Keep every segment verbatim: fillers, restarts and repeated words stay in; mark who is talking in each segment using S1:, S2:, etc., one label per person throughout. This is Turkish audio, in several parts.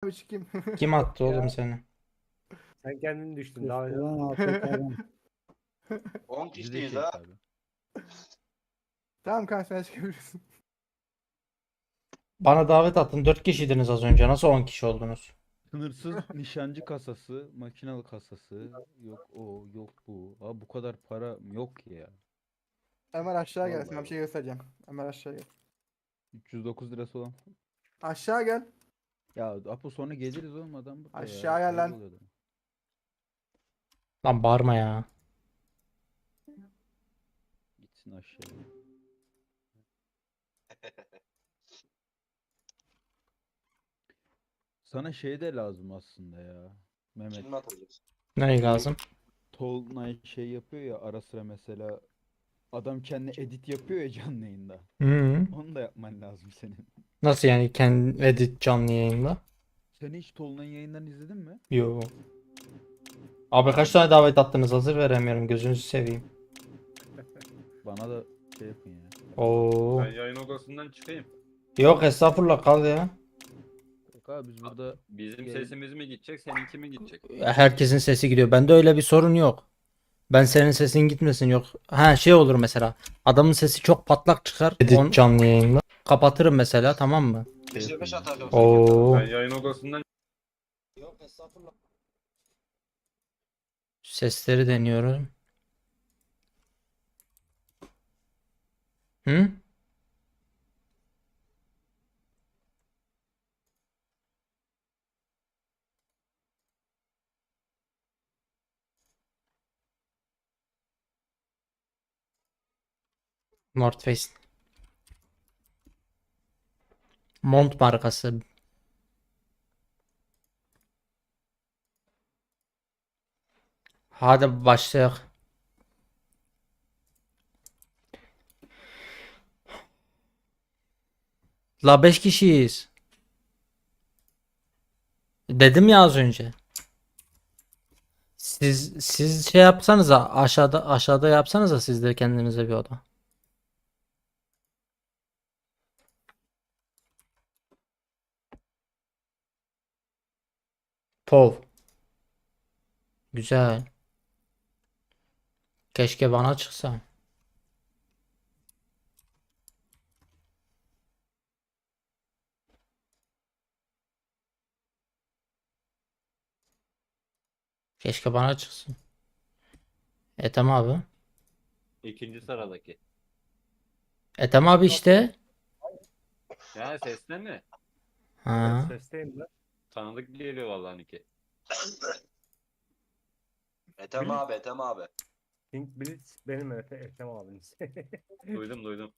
S1: üç kim?
S2: Kim attı oğlum seni?
S3: Sen kendin düştün.
S4: Üstü
S3: Daha önce
S4: lan A F K'dan.
S5: on
S6: Bizi de
S5: kişiyiz
S6: çek
S5: ha.
S6: abi.
S1: Tamam kanka sen çıkabilirsin.
S2: Bana davet attın. dört kişiydiniz az önce. Nasıl on kişi oldunuz?
S6: Sınırsız nişancı kasası, makinalı kasası, yok o, yok bu. Abi bu kadar para yok ki ya.
S1: Ömer aşağı gel.
S6: Vallahi
S1: Sana bir şey göstereceğim. Ömer aşağı gel.
S6: üç yüz dokuz lirası olan.
S1: Aşağı gel.
S6: Ya Apo sonra geliriz oğlum adam burada ya.
S1: Aşağıya lan.
S6: Kayboluyor adam.
S2: Lan bağırma ya.
S6: Gitsin aşağıya. Sana şey de lazım aslında ya. Mehmet.
S5: Kim atacağız?
S2: Ne lazım?
S6: Tolunay şey yapıyor ya ara sıra mesela. Adam kendi edit yapıyor ya canlı yayında.
S2: Hı.
S6: Onu da yapman lazım senin.
S2: Nasıl yani kendi edit canlı yayında?
S6: Sen hiç Tolunay'ın yayınlarını izledin mi?
S2: Yo. Abi kaç tane davet attınız? Hazır veremiyorum. Gözünüzü seveyim.
S6: Bana da şey yapın ya.
S2: Oo.
S7: Ben yayın odasından çıkayım.
S2: Yok estağfurullah kal ya.
S6: Yok abi biz burada
S7: Bizim
S6: Yayın-
S7: sesimiz mi gidecek, seninki mi gidecek?
S2: Herkesin sesi gidiyor. Bende öyle bir sorun yok. Ben senin sesin gitmesin yok. Ha şey olur mesela. Adamın sesi çok patlak çıkar. Edit canlı yayında. Kapatırım mesela tamam mı?
S5: beş beş atar.
S2: Oo.
S7: Ben yayın odasından
S2: Yok estağfurullah. Sesleri deniyorum. Hı? North Face. Mont markası. Hadi başlayalım. La beş kişiyiz. Dedim ya az önce. Siz siz şey yapsanıza aşağıda aşağıda yapsanıza siz de kendinize bir oda. Pov. Güzel. Keşke bana çıksa. Keşke bana çıksın. Ethem abi.
S7: ikinci sıradaki.
S2: Ethem abi işte.
S7: Ya sesle mi?
S2: Ha.
S3: sesteyim ben.
S7: Tanıdık geliyor vallahi Niki.
S5: Ethem abi, Ethem abi.
S3: Pink Blitz benim Efe, Efem abiniz.
S7: Duydum duydum.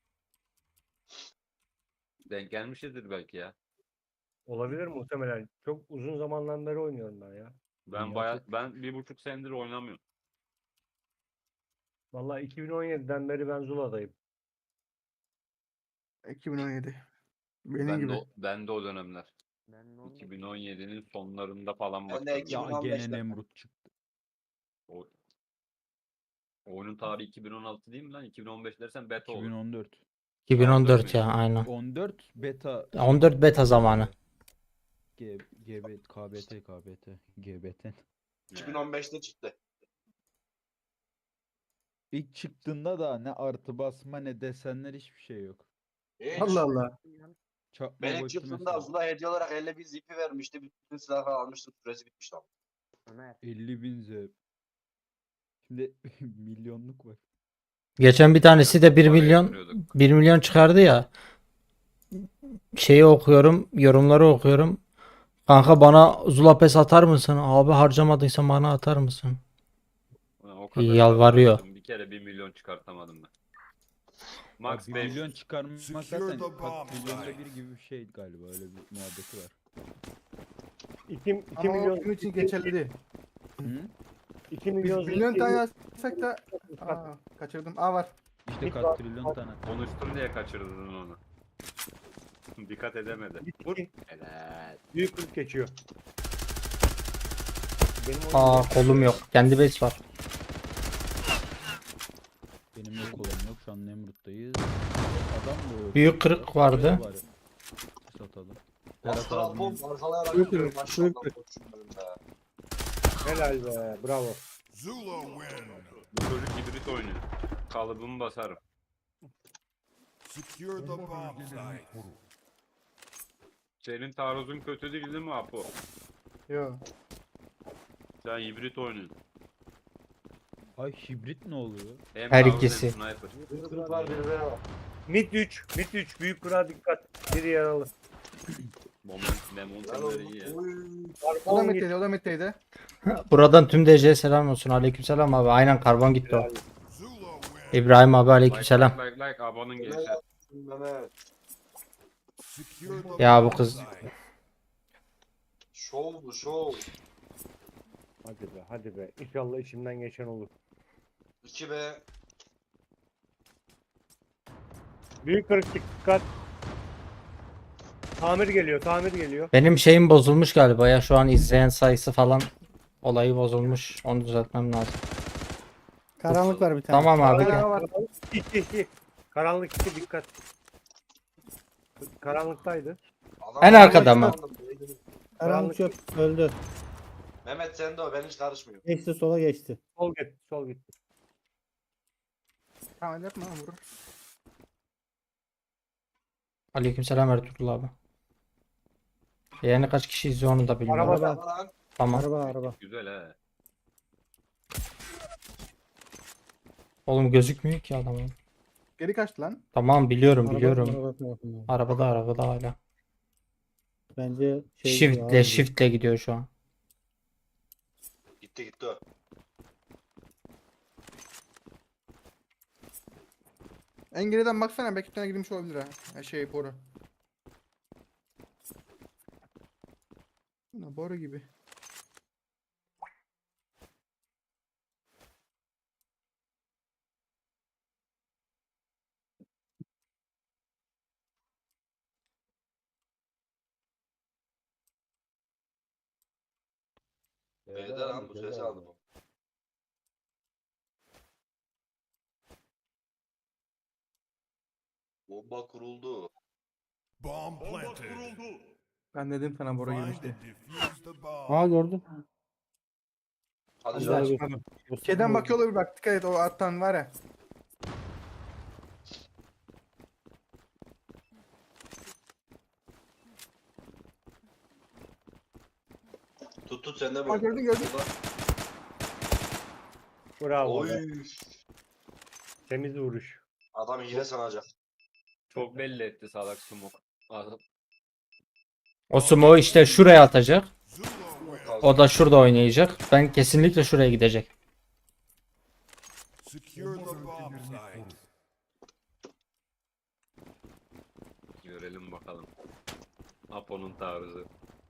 S7: Denk gelmişizdir belki ya.
S3: Olabilir muhtemelen. Çok uzun zamandan beri oynuyorum ben ya.
S7: Ben
S6: Dünya
S7: baya
S6: çok-
S7: ben bir buçuk senedir oynamıyorum.
S3: Vallahi iki bin on yediden beri ben Zula'dayım.
S1: iki bin on yedi. Benim
S7: Ben
S1: gibi.
S7: de o, ben de o dönemler. iki bin on yedinin sonlarında falan
S5: Ben de
S7: başladım.
S5: iki bin
S6: Ya
S5: on
S6: gene
S5: beşte.
S6: Nemrut çıktı.
S7: O, oyunun tarihi iki bin on altı değil mi lan? iki bin on beş dersen beta olur.
S6: iki bin on dört.
S2: iki bin on dört ya aynen.
S6: on dört beta.
S2: on dört beta zamanı.
S6: G, GB, KBT, KBT, G B T.
S5: iki bin on beşte çıktı.
S6: İlk çıktığında da ne artı basma ne desenler hiçbir şey yok.
S5: Hiç.
S1: Allah Allah.
S6: Çakma
S5: Ben ilk
S6: boyutu
S5: çıktığımda
S6: mesela.
S5: Zula hediye olarak elli bir zipi vermişti. Bütün silahları almıştım. Süresi bitmişti ama.
S6: elli bin Z. Şimdi milyonluk var.
S2: Geçen bir tanesi de bir
S7: Para
S2: milyon
S7: yatırıyorduk.
S2: bir milyon çıkardı ya. Şeyi okuyorum, yorumları okuyorum. Kanka bana Zula Pes atar mısın? Abi harcamadıysan bana atar mısın?
S7: Ulan o kadar
S2: Yalvarıyor.
S7: uğraştım, bir kere bir milyon çıkartamadım ben. Max
S6: Abi bir
S7: beş.
S6: milyon çıkarmak
S8: Secure
S6: zaten
S8: the bomb
S6: katrilyonda
S8: site.
S6: bir gibi bir şey galiba öyle bir muhabbeti var.
S3: iki, iki
S1: Ama
S3: milyon
S1: o bizim için geçerli değil.
S6: Hı?
S3: iki
S1: Biz
S3: milyon
S1: milyon
S3: zil-
S1: tane yazsak da Aa, kaçırdım. Aa var.
S6: İşte
S3: Bir
S6: katrilyon tane.
S7: Konuştun diye kaçırdın onu. Dikkat edemedi. Vur. Helal.
S3: büyük kırk geçiyor. Benim oyunum
S2: Aa kolum yok. Kendi base var.
S6: Benim yok olan yok şu an Nemrut'tayız. Adam da yok.
S2: Büyük kırık vardı.
S6: Var. Satalım. Berat
S5: Astral
S6: abinin
S5: Apo arkalayarak
S1: Yok,
S5: gidiyorum.
S1: yok,
S5: Maşallah
S1: yok.
S5: koçum be.
S3: Helal be. Bravo.
S4: Zula win.
S7: Bu çocuk hibrit oynuyor. Kalıbımı basarım.
S4: Secure the bomb site.
S7: Senin taarruzun kötü değil değil mi Apo?
S1: Yo.
S7: Sen hibrit oynuyorsun.
S6: Ay hibrit ne oluyor?
S7: Hem
S2: Her
S7: taarruz hem
S2: ikisi.
S7: sniper.
S5: Bir kırık var bir ve var.
S3: Mid üç. Mid üç. Büyük kura dikkat. Biri yaralı.
S7: Moment, momentumları iyi ya.
S1: O da metteydi, o da metteydi.
S2: Buradan tüm D C'ye selam olsun. Aleykümselam abi. Aynen karbon gitti o.
S4: Zula win.
S2: İbrahim abi
S7: Like
S2: aleykümselam.
S7: like like like abanın gençler.
S5: Mehmet. Mehmet.
S4: Secure the
S2: Ya bu
S4: bomb
S2: kız
S4: site.
S5: Şov bu şov.
S3: Hadi be hadi be. İnşallah içimden geçen olur.
S5: iki be.
S3: Büyük kırık dikkat. Tamir geliyor. Tamir geliyor.
S2: benim şeyim bozulmuş galiba ya. Şu an izleyen sayısı falan olayı bozulmuş. Onu düzeltmem lazım.
S8: Karanlık var bir tane.
S2: Tamam abi gel.
S3: Karanlık iki iki. Karanlık iki dikkat. Karanlıktaydı.
S5: Adam
S2: En arkada mı?
S8: Karanlık çöp öldü.
S5: Mehmet sen de o ben hiç karışmıyorum.
S8: Geçti sola geçti.
S3: Sol gitti. Sol gitti.
S1: Tamam yapma lan vurur.
S2: Aleykümselam Ertuğrul abi. Yani kaç kişi izliyor onu da bilmiyorum.
S3: Araba-
S8: Araba,
S5: Lan
S2: Tamam.
S8: araba, araba.
S7: Güzel he.
S2: Oğlum gözükmüyor ki adamın.
S1: Geri kaçtı lan.
S2: Tamam biliyorum
S8: Araba,
S2: biliyorum.
S8: araba tarafından.
S2: Arabada arabada hala.
S8: Bence şey
S2: Shift'le shift'le gidiyor şu an.
S5: gitti gitti o.
S1: En geriden baksana belki bir tane girmiş olabilir ha. Ha, Şey boru. Ne boru gibi.
S5: B'de lan bu sesi aldım. Bomba kuruldu.
S4: Bomb planted.
S1: Ben dedim sana boru
S4: Find
S1: girmişti.
S4: and defuse the bomb.
S8: Aa gördüm.
S5: Hadi
S8: Güzel
S5: canım.
S8: bir-
S1: Şeyden bakıyor olabilir bak dikkat et o attan var ya.
S5: Tut tut sen de
S1: Aa
S5: böyle.
S1: gördün gördün.
S3: Bravo.
S5: Oy.
S3: be. Temiz vuruş.
S5: Adam hile sanacak.
S7: Çok belli etti salak smoke. Adam-
S2: O smoke'u işte şuraya atacak.
S4: Zula win.
S2: O da şurada oynayacak. Ben kesinlikle şuraya gidecek.
S4: Secure the bomb site.
S7: Görelim bakalım. Apo'nun taarruzu.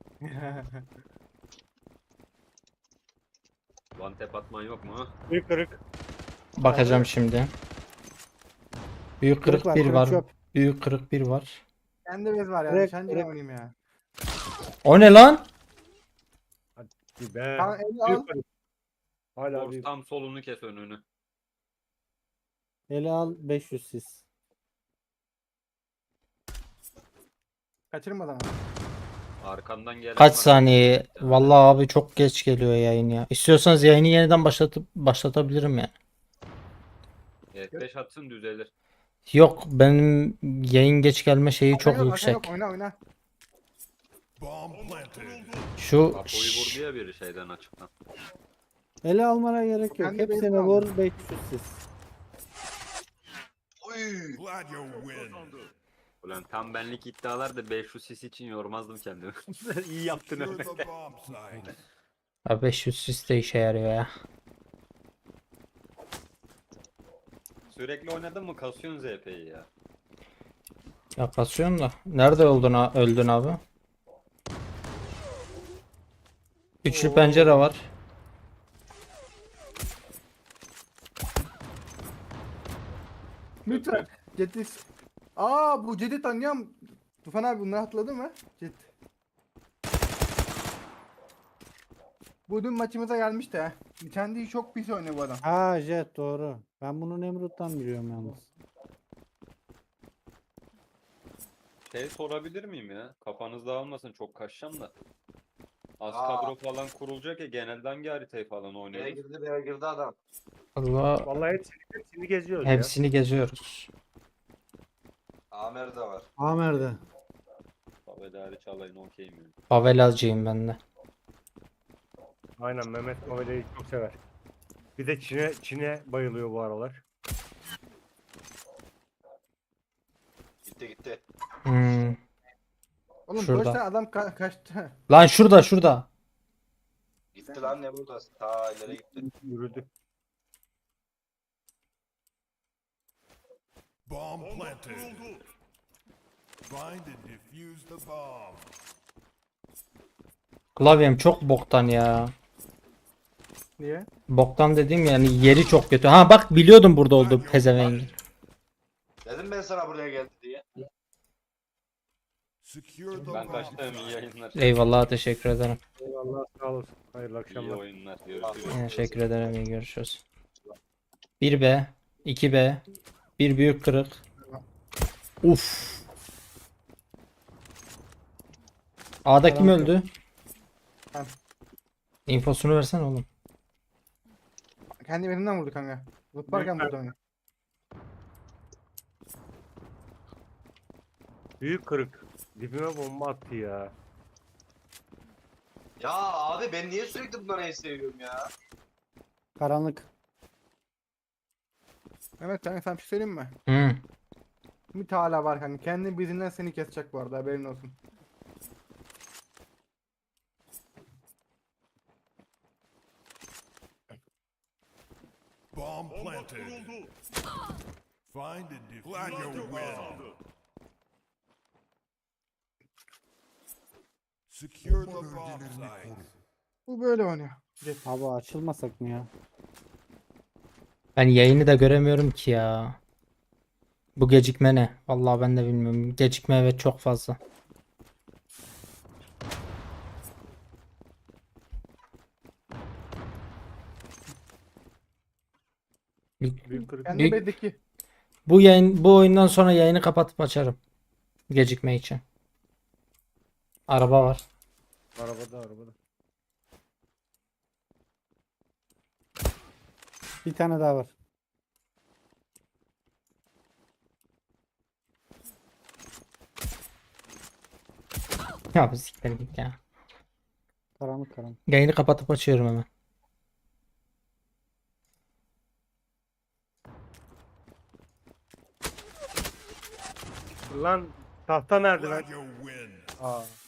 S7: One tap atman yok mu?
S3: Büyük kırık.
S2: Bakacağım şimdi. Büyük kırık
S8: var,
S2: bir
S8: kırık
S2: var.
S8: çöp.
S2: Büyük kırık bir var.
S1: Kendi bez var ya.
S8: Direkt-
S1: Nişancı
S8: direkt-
S1: oynayayım ya.
S2: O ne lan?
S3: Bir be.
S1: Tamam eli al.
S3: Büyük kırık. Hala
S7: Force
S3: büyük.
S7: tam solunu kes önünü.
S8: Ele al beş yüz sis.
S1: Kaçırma adamı.
S7: Arkandan gelen
S2: Kaç
S7: var.
S2: saniye? Vallahi abi çok geç geliyor yayın ya. İstiyorsanız yayını yeniden başlatıp başlatabilirim ya.
S7: Evet, beş atsın düzelir.
S2: Yok benim yayın geç gelme şeyi çok
S1: Arkana yok, arkana
S2: yüksek.
S1: yok, Oyna oyna.
S4: Bomb planted.
S2: Şu
S7: Apo'yu vurdu ya biri şeyden açıktan.
S8: Ele almana gerek yok.
S1: Kendi
S8: Hepsine
S1: bezini
S8: vur beş yüz sis.
S5: Oy.
S4: Glad you win.
S7: Ulan tam benlik iddialar da beş yüz sis için yormazdım kendimi. İyi yaptın
S4: Secure
S7: öyle.
S4: the bomb site.
S2: ya beş yüz sis de işe yarıyor ya.
S7: Sürekli oynadın mı kasıyorsun Z P'yi ya.
S2: Yaklaşıyorum da. Nerede öldün, ha- öldün abi? Üçlü pencere var.
S1: Lütfen. Cetis. Aa bu Cedi tanıyorum. Tufan abi bunları hatırladın mı? Cet. Bu dün maçımıza gelmişti ha. Kendi çok pis oynuyor bu adam.
S8: Ha jet doğru. Ben bunu Nemrut'tan biliyorum yalnız.
S7: Şey sorabilir miyim ya? Kafanız dağılmasın, çok kaçacağım da. Az
S5: Aa.
S7: kadro falan kurulacak ya, genelde hangi haritayı falan
S5: B'ye
S7: oynuyoruz?
S5: girdi B'ye girdi adam.
S2: Allah
S3: Vallahi hepsini, hepsini geziyoruz
S2: hepsini geziyoruz.
S5: Amer de var.
S8: Amer'de.
S7: Favedari çalayın okey mi?
S2: Favelacıyım ben de.
S3: ya. Aynen, Mehmet Maveli'yi çok sever. Bir de Çin'e Çin'e bayılıyor bu aralar.
S5: Gitti gitti.
S2: Hmm.
S1: Oğlum
S2: Şurada.
S1: dört tane adam ka- kaçtı.
S2: Lan şurada şurada.
S5: Gitti lan ne burada? Ta ileri gitti.
S3: Yürüdü.
S4: Bomb planted. Find and defuse the bomb.
S2: Klavyem çok boktan ya.
S1: Niye?
S2: Boktan dediğim yani yeri çok kötü. Ha bak biliyordum burada olduğu pezevengi.
S5: Dedim ben sana buraya geldi diye.
S4: Secure the
S7: Ben
S4: bomb
S7: kaçtım, iyi
S4: site.
S7: yayınlar.
S2: Eyvallah teşekkür ederim.
S3: Eyvallah, sağ olasın. Hayırlı
S7: İyi
S3: akşamlar.
S7: oyunlar. Görüşürüz.
S2: Teşekkür ederim iyi görüşürüz. bir B, iki B, bir büyük kırık. Uf. A'da kim öldü?
S1: Ben.
S2: İnfosunu versene oğlum.
S1: Kendi elimden vurdu kanka. Zıplarken vurdu onu.
S3: Büyük kırık. Dibime bomba attı ya.
S5: Ya abi ben niye sürekli bunları en seviyorum ya?
S8: Karanlık.
S1: Mehmet kanka sana bir şey söyleyeyim mi?
S2: Hı.
S1: Bir hala var kanka. Kendi bizinden seni kesecek bu arada haberin olsun.
S4: Bomb planted. Find and defuse the bomb. Secure the bomb site.
S1: Bu böyle oynuyor. Jet.
S8: Abi açılmasak mı ya?
S2: Ben yayını da göremiyorum ki ya. Bu gecikme ne? Vallahi ben de bilmiyorum. Gecikme evet çok fazla.
S3: Büyük kırık.
S1: Kendi
S2: Büyük-
S1: bedeki.
S2: Bu yayın bu oyundan sonra yayını kapatıp açarım. Gecikme için. Araba var.
S3: Arabada arabada.
S8: Bir tane daha var.
S2: Ya bir siktir git ya.
S8: Karanlık karanlık.
S2: Yayını kapatıp açıyorum hemen.
S3: Lan tahta nerede lan?
S4: Glad you win.
S3: Aa.